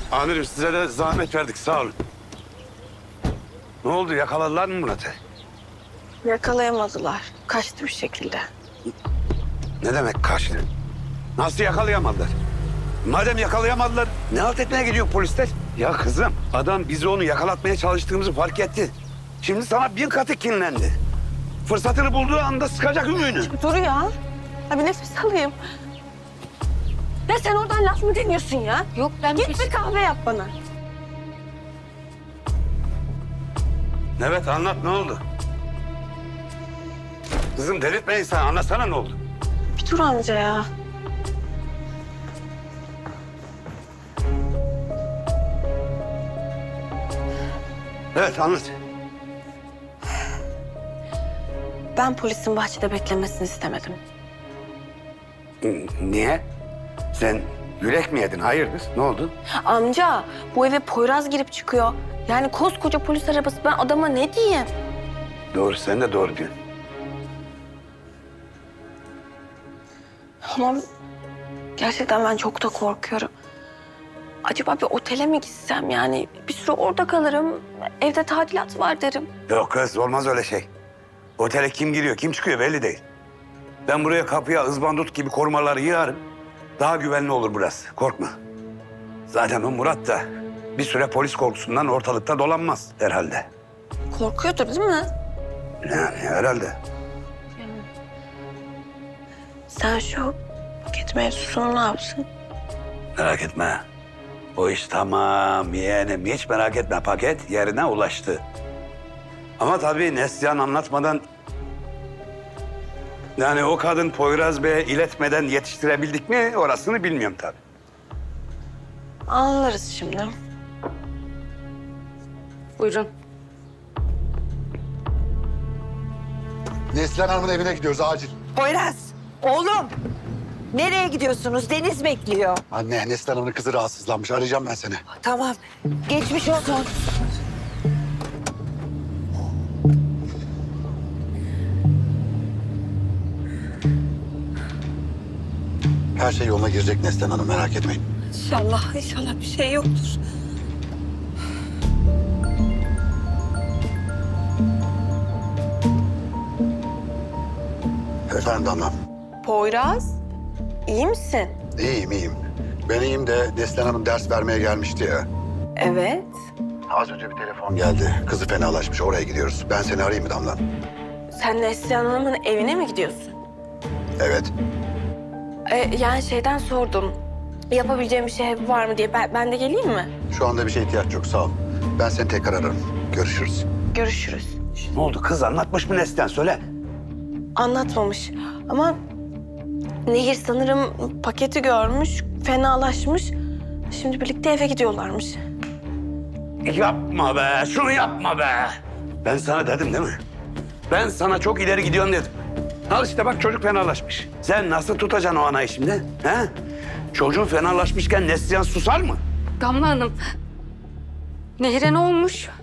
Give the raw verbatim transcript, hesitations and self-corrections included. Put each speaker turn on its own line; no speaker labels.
Amirim size de zahmet verdik sağ olun. Ne oldu yakaladılar mı Murat'ı?
Yakalayamadılar. Kaçtı bir şekilde.
Ne demek kaçtı? Nasıl yakalayamadılar? Madem yakalayamadılar ne halt etmeye gidiyor polisler? Ya kızım adam bizi onu yakalatmaya çalıştığımızı fark etti. Şimdi sana bin katı kinlendi. Fırsatını bulduğu anda sıkacak ümüğünü.
Dur ya. Ha bir nefes alayım. Ya sen oradan laf mı deniyorsun ya?
Yok ben
Git
bir...
bir kahve yap bana.
Evet anlat ne oldu? Kızım delirtme insan anlatsana ne oldu?
Bir dur amca ya.
Evet anlat.
Ben polisin bahçede beklemesini istemedim.
Niye? Sen yürek mi yedin? Hayırdır? Ne oldu?
Amca bu eve Poyraz girip çıkıyor. Yani koskoca polis arabası, ben adama ne diyeyim?
Doğru sen de doğru diyorsun.
Ama gerçekten ben çok da korkuyorum. Acaba bir otele mi gitsem yani? Bir süre orada kalırım. Evde tadilat var derim.
Yok kız olmaz öyle şey. Otele kim giriyor kim çıkıyor belli değil. Ben buraya kapıya ızbandut gibi korumaları yığarım. Daha güvenli olur burası korkma. Zaten o Murat da bir süre polis korkusundan ortalıkta dolanmaz herhalde.
Korkuyordur değil mi?
Yani herhalde.
Sen şu paket mevzusunu ne yapsın?
Merak etme. O iş tamam yeğenim hiç merak etme paket yerine ulaştı. Ama tabii Neslihan anlatmadan... Yani o kadın Poyraz Bey'e iletmeden yetiştirebildik mi orasını bilmiyorum tabii.
Anlarız şimdi.
Buyurun.
Neslihan Hanım'ın evine gidiyoruz acil.
Poyraz, oğlum. Nereye gidiyorsunuz? Deniz bekliyor.
Anne, Neslihan Hanım'ın kızı rahatsızlanmış. Arayacağım ben seni.
Tamam. Geçmiş olsun.
Her şey yoluna girecek Neslihan Hanım, merak etmeyin.
İnşallah, inşallah bir şey yoktur.
Efendim Damla.
Poyraz, iyi misin?
İyiyim, iyiyim. Ben iyiyim de Neslihan Hanım ders vermeye gelmişti ya.
Evet.
Az önce bir telefon geldi. Kızı fenalaşmış, oraya gidiyoruz. Ben seni arayayım mı Damla?
Sen Neslihan Hanım'ın evine mi gidiyorsun?
Evet.
Ee, yani şeyden sordum. Yapabileceğim bir şey var mı diye. Ben, ben de geleyim mi?
Şu anda bir şeye ihtiyaç yok, sağ ol. Ben seni tekrar ararım. Görüşürüz.
Görüşürüz.
Ne oldu kız anlatmış mı Neslihan söyle.
Anlatmamış ama Nehir sanırım paketi görmüş, fenalaşmış. Şimdi birlikte eve gidiyorlarmış.
Yapma be şunu yapma be. Ben sana dedim değil mi? Ben sana çok ileri gidiyorsun dedim. Al işte bak çocuk fenalaşmış. Sen nasıl tutacaksın o anayı şimdi? He? Çocuğun fenalaşmışken Neslihan susar mı?
Damla Hanım. Nehir'e ne olmuş?